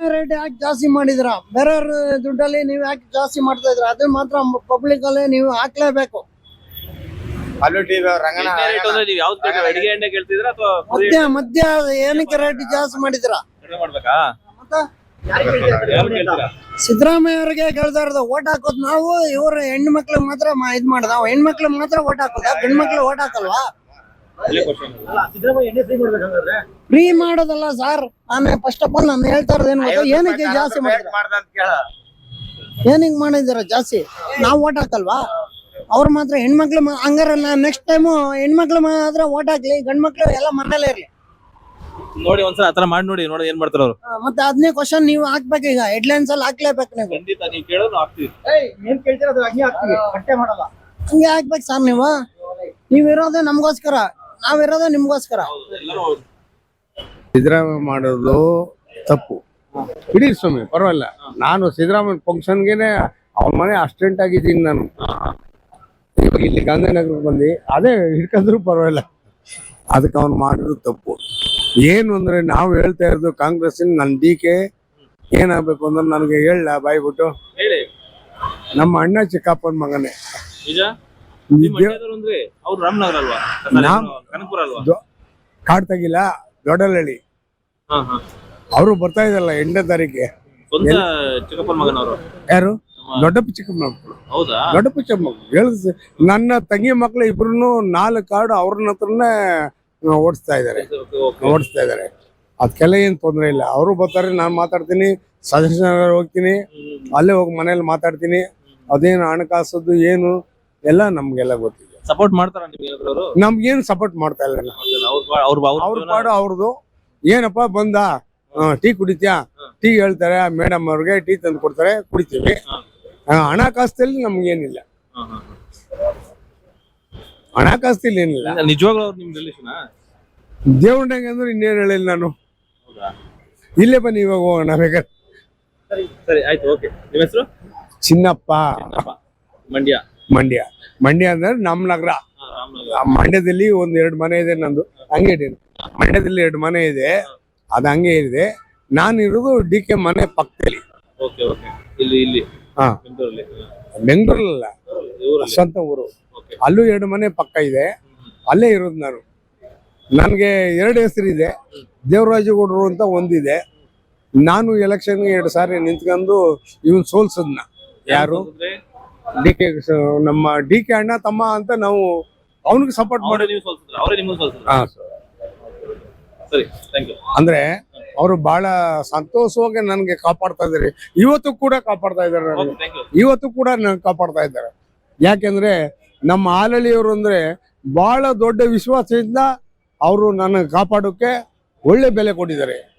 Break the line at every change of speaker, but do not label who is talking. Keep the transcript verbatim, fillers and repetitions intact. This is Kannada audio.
ರೇಟ್ ಯಾಕೆ ಜಾಸ್ತಿ ಮಾಡಿದ್ರ? ಬೇರೆಯವ್ರ ದುಡ್ಡಲ್ಲಿ ನೀವು ಯಾಕೆ ಜಾಸ್ತಿ ಮಾಡ್ತಾ ಇದ್ರ? ಅದು ಮಾತ್ರ ಪಬ್ಲಿಕ್ ಅಲ್ಲಿ ನೀವು ಹಾಕ್ಲೇಬೇಕು. ಮಧ್ಯ ಮಧ್ಯ ಏನಕ್ಕೆ ರೇಟ್ ಜಾಸ್ತಿ ಮಾಡಿದ್ರ? ಸಿದ್ದರಾಮಯ್ಯ ಅವ್ರಿಗೆ ಕೇಳ್ತಾ ಇರೋದು ಓಟ್ ಹಾಕೋದ್ ನಾವು, ಇವ್ರ ಹೆಣ್ಣು ಮಕ್ಳಿಗೆ ಮಾತ್ರ ಇದ್ ಮಾಡ್ದ. ಹೆಣ್ಮಕ್ಳಿಗೆ ಮಾತ್ರ ಓಟ್ ಹಾಕೋದ, ಗಂಡ್ ಮಕ್ಳು ಓಟ್ ಹಾಕಲ್ವಾ? ಫ್ರೀ ಮಾಡೋದಲ್ಲ ಸರ್. ನಾನು ಫಸ್ಟ್ ಆಫ್ ಆಲ್ ನಾನು ಹೇಳ್ತಾ ಇರೋದು ಏನು ಗೊತ್ತಾ, ಏನಕ್ಕೆ ಜಾಸ್ತಿ ಮಾಡಿದ್ರ? ಏನಿಗೆ ಮಾಡಿದಾರ ಜಾಸ್ತಿ? ನಾವು ಓಟ್ ಹಾಕಲ್ವಾ? ಅವ್ರು ಮಾತ್ರ ಹೆಣ್ಮಕ್ಳು ಹಂಗಾರ ನೆಕ್ಸ್ಟ್ ಟೈಮು ಹೆಣ್ಮಕ್ಳು ಮಾತ್ರ ಓಟ್ ಹಾಕ್ಲಿ, ಗಂಡ್ ಮಕ್ಳು ಎಲ್ಲ ಮನೇಲೇ ಇರ್ಲಿ
ನೋಡಿ. ಒಂದ್ಸಲ ಆತರ ಮಾಡಿ ನೋಡಿ, ನೋಡಿ ಏನ್ ಮಾಡ್ತಾರ ಅವ್ರು.
ಮತ್ತೆ ಅದನ್ನೇ ಕ್ವಶನ್ ನೀವು ಹಾಕ್ಬೇಕು. ಈಗ ಹೆಡ್ಲೈನ್ಸ್ ಅಲ್ಲಿ ಹಾಕ್ಲೇಬೇಕು ನೀವು.
ಖಂಡಿತ ನೀವು ಕೇಳೋದು ಹಾಕ್ತೀವಿ.
ಏನ್ ಕೇಳ್ತೀರ ಅದು ಹಂಗೆ ಹಾಕ್ತೀವಿ, ಕಟ್ಟೆ ಮಾಡಲ್ಲ. ಹಂಗೆ ಹಾಕ್ಬೇಕು ಸರ್. ನೀವು ನೀವಿರೋದೇ ನಮ್ಗೋಸ್ಕರ, ನಾವಿರೋದೇ ನಿಮ್ಗೋಸ್ಕರ.
ಸಿದ್ದರಾಮಯ್ಯ ಮಾಡೋದು ತಪ್ಪು. ಇಡೀ ಸ್ವಾಮಿ ಪರವಾಗಿಲ್ಲ. ನಾನು ಸಿದ್ದರಾಮಯ್ಯ ಫಂಕ್ಷನ್ಗೆನೆ ಅವ್ರ ಮನೆ ಅಸ್ಟೆಂಟ್ ಆಗಿದ್ದೀನಿ. ನಾನು ಇವಾಗ ಇಲ್ಲಿ ಗಾಂಧಿನಗರಕ್ಕೆ ಬಂದು ಅದೇ ಹಿಡ್ಕೊಂಡ್ರು ಪರವಾಗಿಲ್ಲ. ಅದಕ್ಕೆ ಅವ್ನು ಮಾಡಿದ್ರು ತಪ್ಪು. ಏನು ಅಂದ್ರೆ ನಾವು ಹೇಳ್ತಾ ಇರೋದು ಕಾಂಗ್ರೆಸ್ ನನ್ನ ಡಿ ಕೆ ಏನಾಗಬೇಕು ಅಂದ್ರೆ ನನಗೆ ಹೇಳ ಬಾಯ್ಬಿಟ್ಟು, ನಮ್ಮ ಅಣ್ಣ ಚಿಕ್ಕಪ್ಪನ ಮಗನೇ. ಕಾಡ್ತಾಗಿಲ್ಲ ದೊಡ್ಡಲಹಳ್ಳಿ ಅವರು ಬರ್ತಾ ಇದ್ದಲ್ಲ ಎಂಟನೇ ತಾರೀಕಿಗೆ. ಯಾರು? ದೊಡ್ಡಪ್ಪ ಚಿಕ್ಕಮ್ಮ ಮಕ್ಕಳು. ದೊಡ್ಡಪ್ಪ ಚಿಕ್ಕಮ್ಮ ಮಕ್ಕಳು ಹೇಳಿದ ನನ್ನ ತಂಗಿ ಮಕ್ಳು ಇಬ್ರು ನಾಲ್ಕು ಕಾರ್ಡು ಅವ್ರನ್ನ ಹತ್ರನೇ ಓಡಿಸ್ತಾ ಇದಾರೆ ಓಡಿಸ್ತಾ ಇದಾರೆ ಅದಕ್ಕೆಲ್ಲ ಏನ್ ತೊಂದರೆ ಇಲ್ಲ. ಅವರು ಬರ್ತಾರೆ, ನಾನು ಮಾತಾಡ್ತೀನಿ, ಸದಸ್ಯನಗರ ಹೋಗ್ತೀನಿ, ಅಲ್ಲೇ ಹೋಗಿ ಮನೇಲಿ ಮಾತಾಡ್ತೀನಿ. ಅದೇನು ಹಣಕಾಸದ್ದು ಏನು ಎಲ್ಲ ನಮ್ಗೆಲ್ಲ ಗೊತ್ತಿದೆ.
ಸಪೋರ್ಟ್ ಮಾಡ್ತಾರ
ನಮ್ಗೇನು ಸಪೋರ್ಟ್ ಮಾಡ್ತಾ ಇಲ್ಲ. ಅವ್ರ ಪಾಡು ಅವ್ರದ್ದು. ಏನಪ್ಪಾ ಬಂದ ಟೀ ಕುಡಿತ್ಯಾ? ಟೀ ಹೇಳ್ತಾರೆ ಮೇಡಮ್ ಅವ್ರಿಗೆ, ಟೀ ತಂದು ಕೊಡ್ತಾರೆ, ಕುಡಿತೀವಿ. ಹಣಕಾಸಲ್ಲಿ ನಮ್ಗೇನಿಲ್ಲ, ಹಣಕಾಸಲ್ಲಿ ಏನಿಲ್ಲ.
ನಿಜವಾಗ್ಲೂ ಅವ್ರು ನಿಮ್ ರಿಲೇಷನ್?
ದೇವ್ರಂಗೆ ಅಂದ್ರೆ ಇನ್ನೇನು ಹೇಳಿಲ್ಲ ನಾನು. ಇಲ್ಲೇ ಬನ್ನಿ ಇವಾಗ ಹೋಗೋಣ ಬೇಕಾದ್ರೆ.
ಸರಿ ಆಯ್ತು, ಓಕೆ. ನಿಮ್ಮ ಹೆಸರು?
ಚಿನ್ನಪ್ಪ.
ಮಂಡ್ಯ.
ಮಂಡ್ಯ ಮಂಡ್ಯ ಅಂದ್ರೆ ನಮ್ಮ ನಗರ. ಮಂಡ್ಯದಲ್ಲಿ ಒಂದ್ ಎರಡು ಮನೆ ಇದೆ ನಂದು. ಹಂಗೆ ಮಂಡ್ಯದಲ್ಲಿ ಎರಡು ಮನೆ ಇದೆ, ಅದು ಹಂಗೆ ಇದೆ. ನಾನು ಇರೋದು ಡಿ ಕೆ ಮನೆ ಪಕ್ಕದಲ್ಲಿ. ಹಾ, ಬೆಂಗಳೂರಲ್ಲ, ಸ್ವಂತ ಊರು. ಅಲ್ಲೂ ಎರಡು ಮನೆ ಪಕ್ಕ ಇದೆ, ಅಲ್ಲೇ ಇರೋದು ನಾನು. ನನಗೆ ಎರಡು ಹೆಸರಿದೆ. ದೇವರಾಜಗೌಡರು ಅಂತ ಒಂದಿದೆ. ನಾನು ಎಲೆಕ್ಷನ್ಗೆ ಎರಡು ಸಾರಿ ನಿಂತ್ಕೊಂಡು ಇವನ್ ಸೋಲ್ಸದ್ನ. ಯಾರು? ಡಿ ಕೆ, ನಮ್ಮ ಡಿ ಕೆ ಅಣ್ಣ ತಮ್ಮ ಅಂತ ನಾವು ಅವನಿಗೆ ಸಪೋರ್ಟ್ ಮಾಡಿ. ಅಂದ್ರೆ ಅವರು ಬಹಳ ಸಂತೋಷವಾಗಿ ನನ್ಗೆ ಕಾಪಾಡ್ತಾ ಇದಾರೆ. ಇವತ್ತು ಕೂಡ ಕಾಪಾಡ್ತಾ ಇದಾರೆ ನನಗೆ. ಇವತ್ತು ಕೂಡ ನನ್ಗೆ ಕಾಪಾಡ್ತಾ ಇದ್ದಾರೆ. ಯಾಕೆಂದ್ರೆ ನಮ್ಮ ಹಾಲಳ್ಳಿಯವರು ಅಂದ್ರೆ ಬಹಳ ದೊಡ್ಡ ವಿಶ್ವಾಸದಿಂದ ಅವರು ನನ್ನ ಕಾಪಾಡೋಕೆ ಒಳ್ಳೆ ಬೆಲೆ ಕೊಟ್ಟಿದ್ದಾರೆ.